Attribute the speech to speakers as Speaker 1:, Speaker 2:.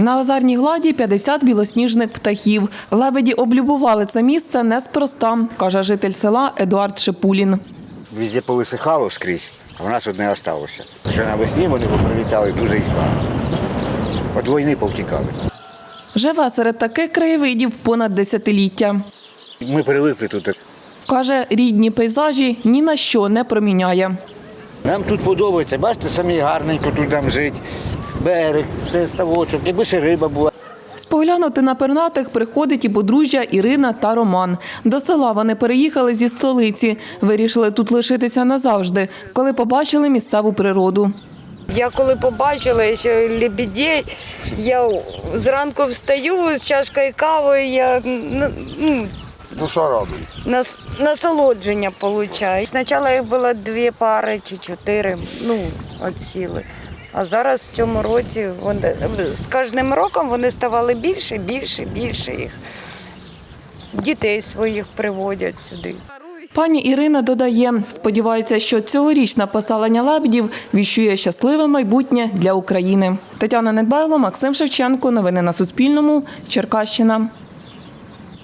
Speaker 1: На озерній гладі 50 білосніжних птахів. Лебеді облюбували це місце неспроста, каже житель села Едуард Шипулін.
Speaker 2: Везде повисихало скрізь, а в нас одне залишилося. Що навесні вони поприлітали дуже їх багато. От війни повтікали.
Speaker 1: Живе серед таких краєвидів понад десятиліття.
Speaker 2: Ми привикли тут.
Speaker 1: Каже, рідні пейзажі ні на що не проміняє.
Speaker 2: Нам тут подобається, бачите, самі гарненько тут там жити. Берег, все ставочок, якби ще риба була.
Speaker 1: Споглянути на пернатих приходить і подружжя Ірина та Роман. До села вони переїхали зі столиці. Вирішили тут лишитися назавжди, коли побачили місцеву природу.
Speaker 3: Я коли побачила ще лебедей, я зранку встаю з чашкою кави, я
Speaker 2: Душа робить.
Speaker 3: насолодження отримую. Спочатку їх було 2 пари чи 4, відсіли. А зараз в цьому році, з кожним роком вони ставали більше їх. Дітей своїх приводять сюди.
Speaker 1: Пані Ірина додає, сподівається, що цьогорічне поселення лебедів віщує щасливе майбутнє для України. Тетяна Недбайло, Максим Шевченко. Новини на Суспільному. Черкащина.